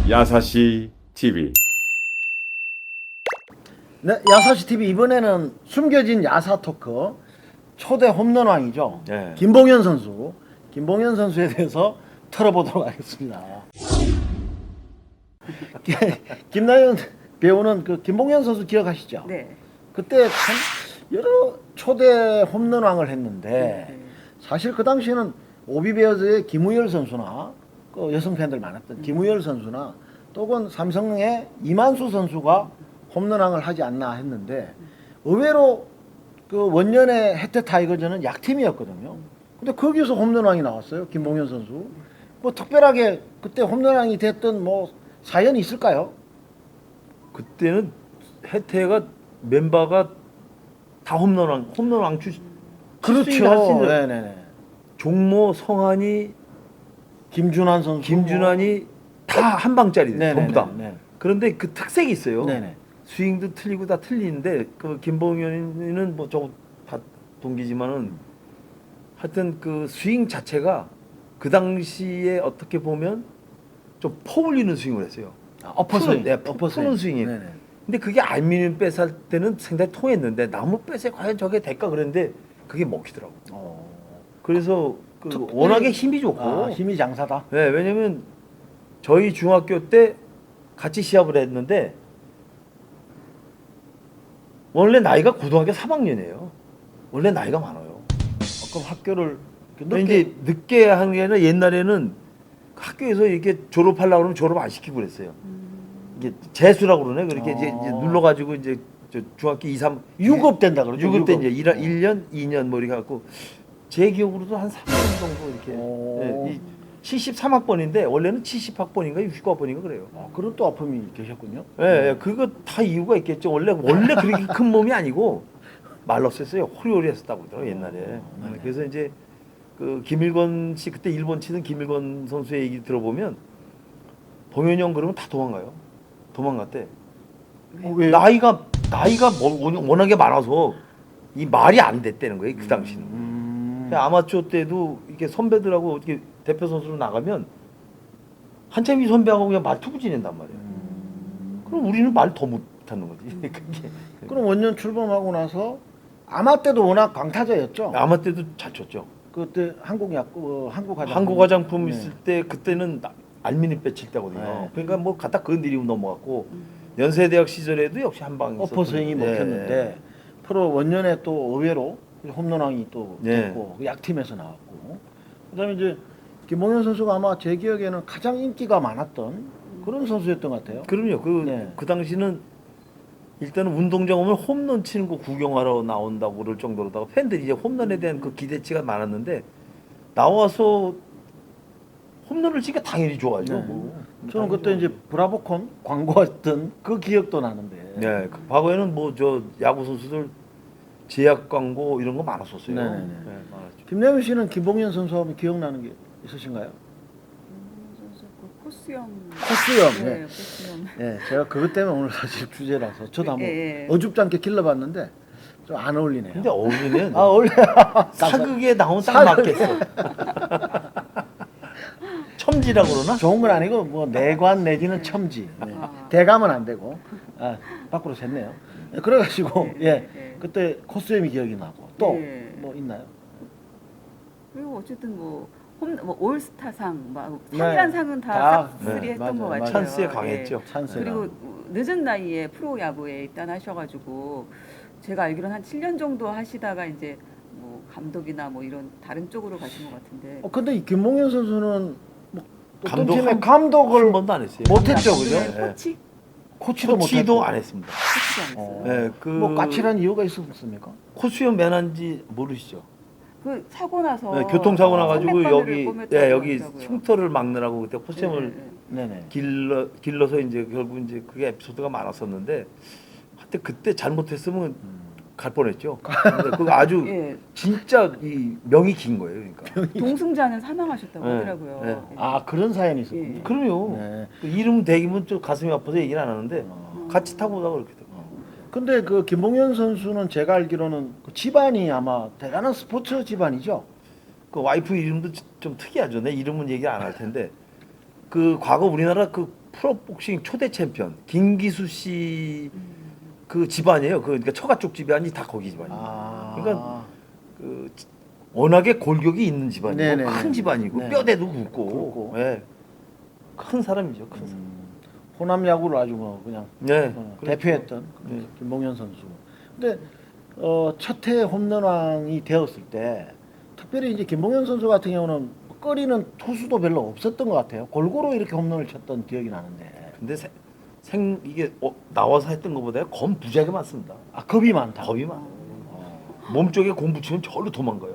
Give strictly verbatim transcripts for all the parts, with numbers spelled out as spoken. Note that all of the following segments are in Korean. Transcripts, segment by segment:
야사시 티비. 네, 야사시 티비 이번에는 숨겨진 야사 토크 초대 홈런왕이죠. 네. 김봉현 선수, 김봉현 선수에 대해서 털어보도록 하겠습니다. 김나연 배우는 그 김봉현 선수 기억하시죠? 네. 그때 참 여러 초대 홈런왕을 했는데 네. 사실 그 당시에는 오비베어즈의 김우열 선수나 그 여성 팬들 많았던 김우열 선수나 또는 삼성의 이만수 선수가 홈런왕을 하지 않나 했는데 의외로 그 원년의 혜태 타이거즈는 약팀이었거든요. 근데 거기서 홈런왕이 나왔어요. 김봉현 선수. 뭐 특별하게 그때 홈런왕이 됐던 뭐 사연이 있을까요? 그때는 혜태가 멤버가 다 홈런왕 홈런왕 출 그렇죠. 네네네. 종모, 성한이, 김준환 선수, 김준환이 다 한 방짜리 네네네. 전부 다. 네. 그런데 그 특색이 있어요. 네네. 스윙도 틀리고 다 틀리는데 그 김봉현이는 뭐 저 다 동기지만은 하여튼 그 스윙 자체가 그 당시에 어떻게 보면 좀 퍼올리는 스윙을 했어요. 아, 어퍼스윙. 네, 푸는 스윙이. 네네. 근데 그게 알루미늄 뺏을 때는 상당히 통했는데 나무 뺏에 과연 저게 될까 그랬는데 그게 먹히더라고. 어. 그래서 그 특별히- 워낙에 힘이 좋고. 아, 힘이 장사다. 네, 왜냐면 저희 중학교 때 같이 시합을 했는데 원래 나이가 고등학교 삼 학년이에요. 원래 나이가 많아요. 그럼 학교를 근데 늦게 이제 늦게 하는 게 아니라 옛날에는 학교에서 이렇게 졸업하려고 그러면 졸업 안 시키고 그랬어요. 이게 재수라고 그러네. 그렇게 이제, 이제 아. 눌러가지고 이제 저 중학교 이, 삼 유급 된다 그러죠. 유급 때 이제 유급. 일, 일 년, 이 년 뭐 이렇게 갖고 제 기억으로도 한 삼 년 정도 이렇게 오. 예, 이 칠십삼 학번인데 원래는 칠십 학번인가 육십구 학번인가 그래요. 아, 그런 또 아픔이 계셨군요. 예, 예, 그거 다 이유가 있겠죠. 원래 원래 그렇게 큰 몸이 아니고 말랐었어요. 호리호리했었다고 그러더라고요 옛날에. 네. 그래서 이제 그 김일건 씨 그때 일본 치던 김일건 선수의 얘기 들어보면 봉현이 형 그러면 다 도망가요. 도망갔대. 어, 왜요? 나이가 나이가 뭐- 워낙에 많아서 이 말이 안 됐다는 거예요 그 당시는. 음. 아마추어 때도 이렇게 선배들하고 이렇게 대표 선수로 나가면 한참 이 선배하고 그냥 말투고 지낸단 말이에요. 음. 그럼 우리는 말 더 못하는 거지. 그게. 그럼 원년 출범하고 나서 아마 때도 워낙 강타자였죠. 아마 때도 잘 쳤죠. 그때 한국 야구, 어, 한국 화장품. 한국 화장품 네. 있을 때 그때는 나- 알미늄 빼칠 때거든요. 네. 그러니까 뭐 갖다 건드리고 넘어갔고 연세대학 시절에도 역시 한 방이 어퍼 스윙이 있었거든요. 먹혔는데 프로 원년에 또 의외로 홈런왕이 또 네. 됐고 그 약팀에서 나왔고 그다음에 이제 김봉현 선수가 아마 제 기억에는 가장 인기가 많았던 그런 선수였던 것 같아요. 그럼요. 그, 네. 그 당시는 일단은 운동장 오면 홈런 치는 거 구경하러 나온다고 그럴 정도로다가 팬들이 이제 홈런에 대한 그 기대치가 많았는데 나와서 홈런을 치니까 당연히 좋아하죠. 네. 뭐. 저는 그때 이제 브라보콘 광고했던 그 기억도 나는데. 네, 그 과거에는 뭐 저 야구 선수들 제약 광고 이런 거 많았었어요. 네네네. 네, 많았죠. 김남일 씨는 김봉현 선수하면 기억나는 게 있으신가요? 김봉현 선수 그 코스염. 코스염. 네, 네. 코스염. 네, 제가 그것 때문에 오늘 사실 주제라서 저도 한번 예, 예. 어줍지 않게 길러봤는데 좀 안 어울리네요. 근데 어울리면 아 어울려. 사극에 나온 딱 사극. 맞겠어. 첨지라고 그러나? 좋은 건 아니고 뭐 내관 내지는 첨지. 네. 아. 대감은 안 되고 아, 밖으로 샜네요. 네, 그래가지고 네, 예 네. 그때 코스염이 기억이 나고 또 뭐 네. 있나요? 그리고 어쨌든 뭐, 홈, 뭐 올스타상, 막 네. 상이란 상은 다, 다 싹쓸이 네, 했던 맞아요, 것 같아요. 맞아요. 찬스에 예. 강했죠. 찬스가. 그리고 늦은 나이에 프로 야구에 입단하셔가지고 제가 알기로는 한 칠 년 정도 하시다가 이제 뭐 감독이나 뭐 이런 다른 쪽으로 가신 것 같은데. 어 근데 이 김봉현 선수는 뭐 어떤 감독 팀의 한- 감독을 한 번도 안 했어요. 못했죠, 그죠? 감독의 네. 코치? 코치도 코치도 못했고. 안 했습니다. 코치도 안 어. 했어요. 네, 그 뭐 까칠한 이유가 있었습니까? 코수염 매난지 모르시죠? 그 사고 나서 네, 교통사고 나가지고 삼백 바늘을 여기 꿰맸다고 예, 여기 하더라고요. 흉터를 막느라고 그때 코수염을 네, 네, 네네. 길러 길러서 이제 결국 이제 그게 에피소드가 많았었는데 하여튼 그때 잘못했으면 음. 갈 뻔했죠. 근데 그거 아주 네. 예, 진짜 이 명이 긴 거예요, 그러니까. 동승자는 사망하셨다고 네, 하더라고요. 네. 예. 아 그런 사연이 있었군요. 예. 그럼요. 네. 그 이름 대기면 좀 가슴이 아파서 얘기를 안 하는데 어. 같이 타고 오다가 그렇게 됐고. 근데 그 김봉현 선수는 제가 알기로는 그 집안이 아마 대단한 스포츠 집안이죠. 그 와이프 이름도 좀 특이하죠. 내 이름은 얘기 안 할 텐데 그 과거 우리나라 그 프로복싱 초대 챔피언 김기수 씨 그 집안이에요. 그 그러니까 처가 쪽 집안이 다 거기 집안이에요. 아. 그러니까 그 워낙에 골격이 있는 집안이고 네네. 큰 집안이고 네. 뼈대도 굵고, 굵고. 예. 큰 사람이죠. 큰 사람. 음, 호남 야구를 아주 뭐 그냥 네. 어, 그렇죠. 대표했던 네. 김봉현 선수. 근데 어, 첫해 홈런왕이 되었을 때 특별히 이제 김봉현 선수 같은 경우는 꺼리는 투수도 별로 없었던 것 같아요. 골고루 이렇게 홈런을 쳤던 기억이 나는데. 근데 세- 생 이게 어, 나와서 했던 것보다 겁 무지하게 많습니다. 아 겁이 많다. 겁이 많아. 몸 쪽에 공 붙이면 절로 도망가요.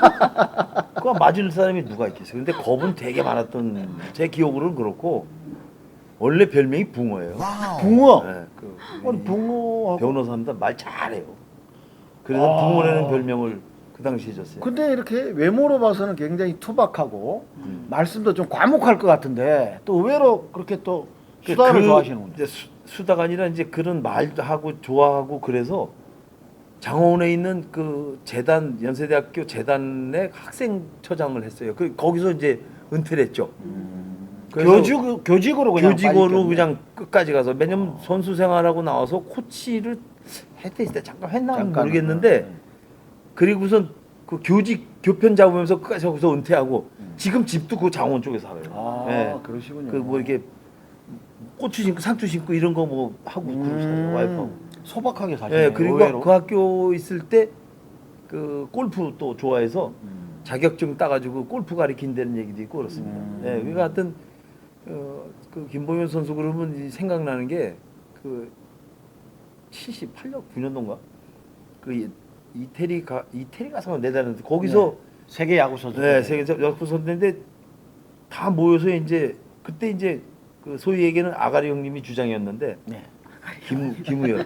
그거 맞을 사람이 누가 있겠어요. 근데 겁은 되게 많았던 제 기억으로는 그렇고 원래 별명이 붕어예요. 붕어. 네, 그 아니 붕어하고. 변호사입니다. 말 잘해요. 그래서 아. 붕어라는 별명을 그 당시에 줬어요. 근데 이렇게 외모로 봐서는 굉장히 투박하고 음. 말씀도 좀 과묵할 것 같은데 또 의외로 그렇게 또 수다를 그 좋아하시는군요. 이제 수, 수다가 아니라 이제 그런 말도 하고 좋아하고 그래서 장원에 있는 그 재단 연세대학교 재단의 학생처장을 했어요. 그 거기서 이제 은퇴를 했죠. 그래서 교직 교직으로 그냥 교직으로 빠졌겠네. 그냥 끝까지 가서 왜냐면 선수 생활하고 나와서 코치를 했을 때 잠깐 했나 잠깐, 모르겠는데 네. 그리고선 그 교직 교편 잡으면서 끝까지 거기서 은퇴하고 지금 집도 그 장원 쪽에 살아요. 아 예. 그러시군요. 그 뭐 이렇게 고추 심고 상추 심고 이런 거 뭐 하고 그러고 살아요. 음, 와이프하고. 소박하게 사시네요. 예, 그리고 의외로. 그 학교 있을 때 그 골프 또 좋아해서 음. 자격증 따가지고 골프 가리킨다는 얘기도 있고 그렇습니다. 음. 예, 그러니까 하여튼 어, 그 김봉현 선수 그러면 이 생각나는 게 그 칠십팔 년 구 년도인가 그 이- 이태리 가 이태리 가서 내다는데 거기서 세계 야구 선수. 네, 세계 야구 선수인데 다 모여서 이제 그때 이제 그 소위 얘기는 아가리 형님이 주장이었는데 네. 김 김우열.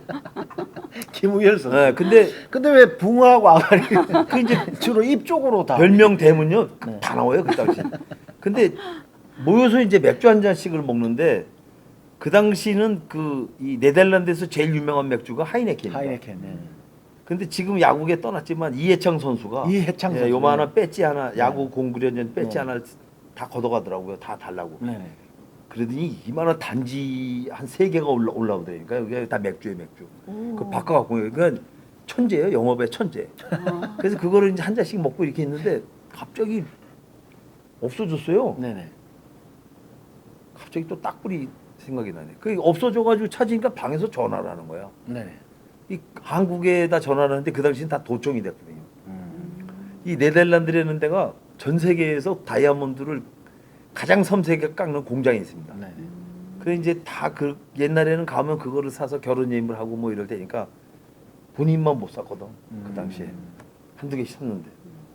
김우열 선수. 네, 근데 근데 왜 붕어하고 아가리 그 이제 주로 입 쪽으로 다. 별명 대문요 네. 다 나와요 그 당시. 근데 모여서 이제 맥주 한 잔씩을 먹는데 그 당시는 그 이 네덜란드에서 제일 유명한 맥주가 하이네켄입니다. 하이네켄. 네. 근데 지금 야구에 떠났지만 이해창 선수가 이해창 예, 선수. 요만한 배지 하나 야구 네. 공구련전 배지 네. 하나 다 걷어가더라고요. 다 달라고. 네. 그러더니 이만한 단지 한 세 개가 올라 올라오더라니까 여기 다 맥주예요 맥주. 오. 그 바꿔갖고 그러니까 천재예요 영업의 천재. 아. 그래서 그거를 이제 한 잔씩 먹고 이렇게 있는데 갑자기 없어졌어요. 네네. 갑자기 또 딱불이 생각이 나네. 그 없어져가지고 찾으니까 방에서 전화를 하는 거야. 네네. 이 한국에다 전화를 하는데 그 당시엔 다 도청이 됐거든요. 음. 이 네덜란드라는 데가 전 세계에서 다이아몬드를 가장 섬세하게 깎는 공장이 있습니다. 네네. 그래 이제 다 그 옛날에는 가면 그거를 사서 결혼 예임을 하고 뭐 이럴 때니까 본인만 못 샀거든. 그 당시에 한두 개씩 샀는데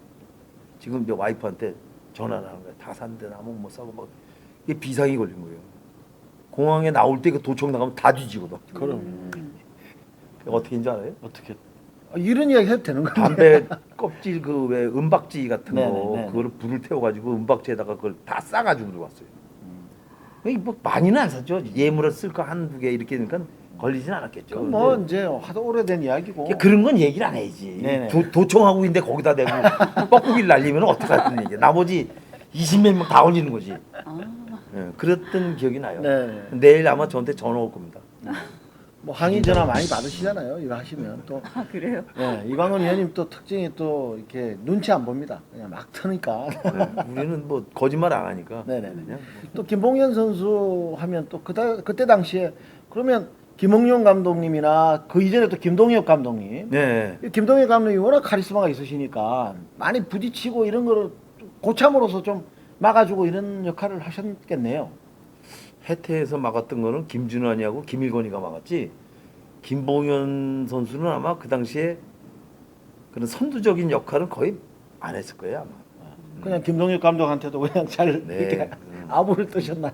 지금 이제 와이프한테 전화를 하는 거야. 다 샀는데 나면 못 사고 막 이게 비상이 걸린 거예요. 공항에 나올 때 그 도청 나가면 다 뒤지거든. 그럼 음. 어떻게인지 알아요? 어떻게 아, 이런 이야기 해도 되는 거예요? 담배 껍질 그 왜 은박지 같은 네네, 거 네네. 그거를 불을 태워가지고 은박지에다가 그걸 다 싸가지고 들어왔어요. 이 뭐 많이는 안 샀죠. 예물을 쓸 거 한두 개 이렇게 되니까 걸리진 않았겠죠. 그럼 뭐 근데 이제 하도 오래된 이야기고. 이게 그런 건 얘기를 안 해야지. 네네. 도, 도청하고 있는데 거기다 대고 뻐꾸기를 날리면 어떡하든 얘기. 나머지 이십몇 명 다 걸리는 거지. 아. 예, 그랬던 기억이 나요. 네. 내일 아마 저한테 전화 올 겁니다. 뭐 항의 전화 많이 받으시잖아요. 이거 하시면 또. 아 그래요? 네, 이광훈 의원님 또 특징이 또 이렇게 눈치 안 봅니다. 그냥 막 트니까. 네, 우리는 뭐 거짓말 안 하니까. 네네네. 그냥 또 김봉현 선수 하면 또 그때 그때 당시에 그러면 김홍룡 감독님이나 그 이전에 또 김동엽 감독님. 네. 김동엽 감독이 워낙 카리스마가 있으시니까 많이 부딪히고 이런 거를 고참으로서 좀 막아주고 이런 역할을 하셨겠네요. 해태에서 막았던 거는 김준환이하고 김일건이가 막았지. 김봉현 선수는 아마 그 당시에 그런 선두적인 역할은 거의 안 했을 거예요 아마. 그냥 김동엽 감독한테도 그냥 잘 네. 이렇게 음. 아부를 뜨셨나요?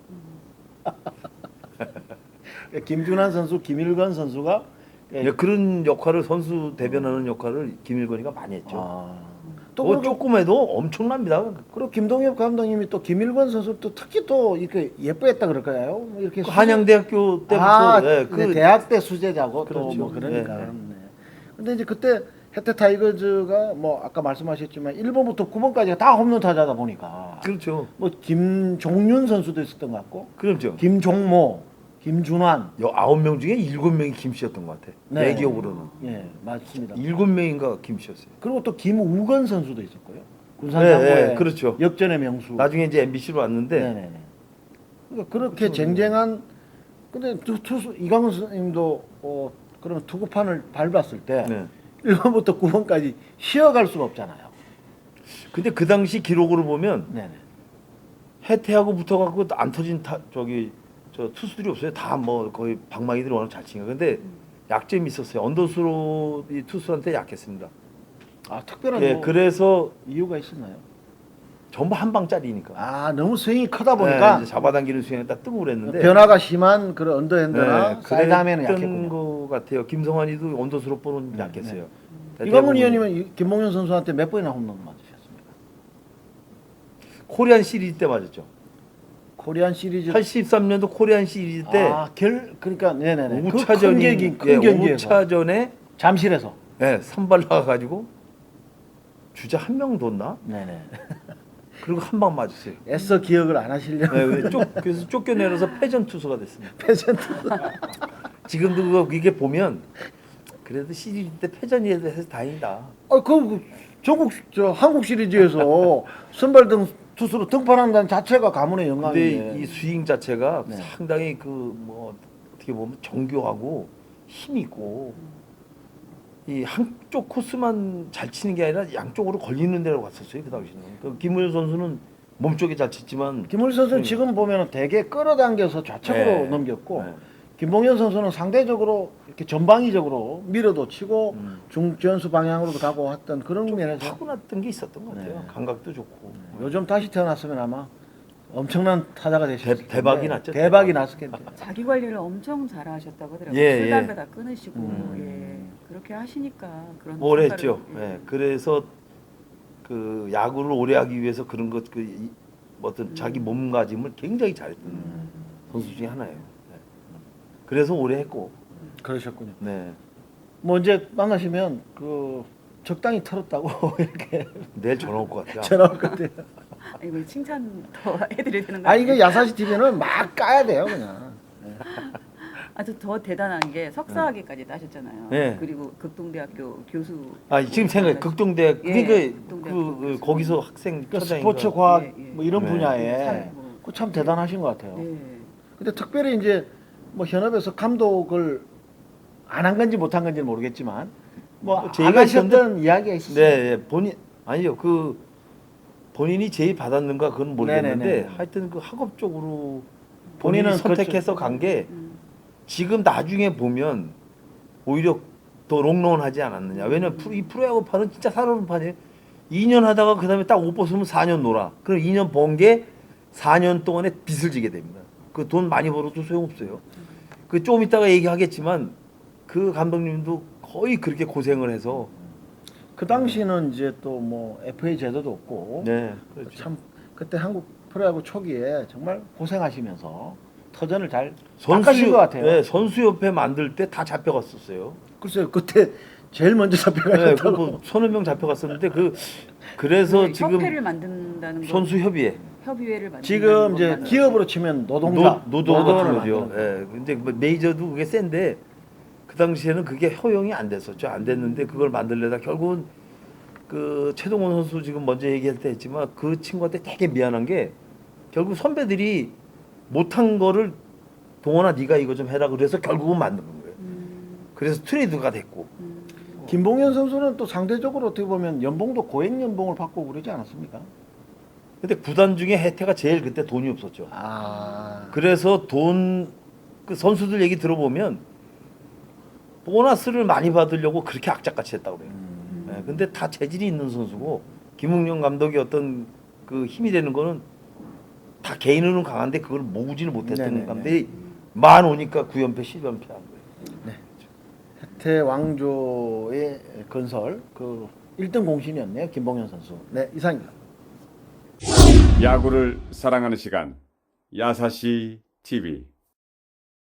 김준환 선수, 김일건 선수가 예, 그런 역할을 선수 대변하는 역할을 김일건이가 많이 했죠. 아, 또 뭐 그리고, 조금 해도 엄청납니다. 그리고 김동엽 감독님이 또 김일건 선수 또 특히 또 이렇게 예뻐했다 그럴까요? 뭐 이렇게 그 수제- 한양대학교 때부터 아, 예, 네, 그 대학 때 수제자고 또 그렇죠. 뭐 그러니까. 네, 네. 네. 근데 이제 그때 혜태 타이거즈가 뭐 아까 말씀하셨지만 일 번부터 구 번까지가 다 홈런 타자다 보니까 그렇죠. 뭐 김종윤 선수도 있었던 것 같고, 그렇죠. 김종모, 김준환, 여 아홉 명 중에 일곱 명이 김씨였던 것 같아. 네. 내 기억으로는 예 맞습니다. 일곱 명인가 김씨였어요. 그리고 또 김우건 선수도 있었고요. 네, 군산상고의 네, 그렇죠. 역전의 명수. 나중에 이제 엠비씨로 왔는데 네네네. 그러니까 그렇게 쟁쟁한 근데 투, 투수 이강훈 선생님도 어, 그러면 투구판을 밟았을 때 네. 일 번부터 구 번까지 쉬어갈 수가 없잖아요. 근데 그 당시 기록으로 보면 네네. 해태하고 붙어갖고 안 터진 타, 저기 저 투수들이 없어요. 다 뭐 거의 방망이들이 워낙 잘 치니까. 근데 약점이 있었어요. 언더스로 이 투수한테 약했습니다. 아 특별한 예, 뭐 그래서 이유가 있었나요? 전부 한 방짜리니까. 아 너무 스윙이 크다 보니까 네, 이제 잡아당기는 스윙에 딱 뜨고 그랬는데 변화가 심한 그런 언더핸드나 네, 사이드하면은 그랬던 약했군요. 것 같아요. 김성환이도 언더스로 보는 네, 약했어요. 이광훈 의원님은 이- 김봉현 선수한테 몇 번이나 홈런 맞으셨습니까? 코리안 시리즈 때 맞았죠. 코리안 시리즈 팔십삼 년도 코리안 시리즈 때 아결 그러니까 네네네 그 큰 오차전이 경기 큰 예, 경기에서 오차전에 잠실에서 예, 선발 나가가지고 주자 한 명 뒀나? 네네 그리고 한 방 맞았어요. 애써 기억을 안 하시려고 네, 왜 쫓, 그래서 쫓겨내려서 패전 투수가 됐습니다. 패전트 지금도 그거 이게 보면 그래도 시리즈 때 패전이 해서 다행이다. 아그 그 전국 저 한국 시리즈에서 선발 등 투수로 등판한다는 자체가 가문의 근데 영광인데 이 스윙 자체가 네. 상당히 그 뭐 어떻게 보면 정교하고 힘 있고 이 한쪽 코스만 잘 치는 게 아니라 양쪽으로 걸리는 데로 갔었어요 그 당시는. 그 김우현 선수는 몸쪽에 잘 쳤지만 김을 선수는 네. 지금 보면은 되게 끌어당겨서 좌측으로 네. 넘겼고 네. 김봉현 선수는 상대적으로 이렇게 전방위적으로 밀어도 치고 음. 중전수 방향으로도 가고 했던 그런 면에서 타고났던 게 있었던 것 같아요. 네. 감각도 좋고. 요즘 다시 태어났으면 아마 엄청난 타자가 되셨을 텐데 대박이 났죠, 대박이 대박. 났었겠죠. 자기 관리를 엄청 잘하셨다고 하더라고요. 예, 술 예. 담배 다 끊으시고 음. 예. 그렇게 하시니까 그런 오래 성과를, 했죠. 예. 그래서 그 야구를 오래 하기 위해서 그런 것 그 어떤 음. 자기 몸가짐을 굉장히 잘했던 음. 선수 중에 하나예요. 네. 그래서 오래 했고. 그러셨군요. 네. 뭐 이제 만나시면 그 적당히 털었다고 이렇게 내일 전화 올 것 같아요. 전화 올 것 같아요. 아, 이거 칭찬 더 해드려야 되는 거 아 이거 아니에요? 야사시 티비는 막 까야 돼요 그냥. 아주 더 대단한 게 석사학위까지 따셨잖아요. 네. 그리고 극동대학교 교수. 아 지금 생각 극동대 예, 그러니까 극동대학교 그, 그 교수. 거기서 학생 그 처장인가. 스포츠 과학 예, 예. 뭐 이런 네. 분야에 참, 뭐. 그 참 대단하신 것 같아요. 네. 근데 특별히 이제 뭐 현업에서 감독을 안 한 건지 못 한 건지는 모르겠지만 뭐 뭐 안 제의가 하셨던 이야기가 있었어요. 네, 예, 본인 아니요 그 본인이 제의 받았는가 그건 모르겠는데 네네네. 하여튼 그 학업적으로 본인은 본인이 선택해서 간 게 음. 지금 나중에 보면 오히려 더 롱런하지 않았느냐. 왜냐면 프로- 이 프로야구판은 진짜 살아오는 판이에요. 이 년 하다가 그 다음에 딱 옷 벗으면 사 년 놀아. 그럼 이 년 번 게 사 년 동안에 빚을 지게 됩니다. 그 돈 많이 벌어도 소용없어요. 그 좀 이따가 얘기하겠지만 그 감독님도 거의 그렇게 고생을 해서 그 당시는 이제 또 뭐 에프에이 제도도 없고 네, 그렇죠. 참 그때 한국 프로야구 초기에 정말 고생하시면서 터전을 잘 선수 닦으신 것 같아요. 네, 선수협회 만들 때 다 잡혀갔었어요. 글쎄요 그때 제일 먼저 네, 잡혀가셨다고. 그뭐 서너 명 잡혀갔었는데 그 그래서 네, 지금 협회를 만든다는 거. 선수협의회 협의회를 만든다는 지금 이제 것만 기업으로 치면 노동자 노, 노동 같은 노동을 거죠. 만드는 거예요. 예. 근데 뭐 메이저도 그게 센데 그 당시에는 그게 허용이 안 됐었죠. 안 됐는데 그걸 만들려다 결국은 그 최동원 선수 지금 먼저 얘기할 때 했지만 그 친구한테 되게 미안한 게 결국 선배들이 못한 거를 동원아 네가 이거 좀 해라 그래서 결국은 만든 거예요. 음, 그래서 트레이드가 됐고. 음. 김봉현 선수는 또 상대적으로 어떻게 보면 연봉도 고액 연봉을 받고 그러지 않았습니까? 근데 구단 중에 혜태가 제일 그때 돈이 없었죠. 아 그래서 돈 그 선수들 얘기 들어보면 보너스를 많이 받으려고 그렇게 악착같이 했다고 그래요. 음. 예, 근데 다 재질이 있는 선수고 김웅영 감독이 어떤 그 힘이 되는 거는 다 개인으로는 강한데 그걸 모으지는 못했던 네네네. 감독이 만 오니까 구 연패 십 연패 한 거예요. 혜태 왕조의 건설 그 일 등 공신이었네요 김봉현 선수. 네 이상입니다. 야구를 사랑하는 시간 야사시 티비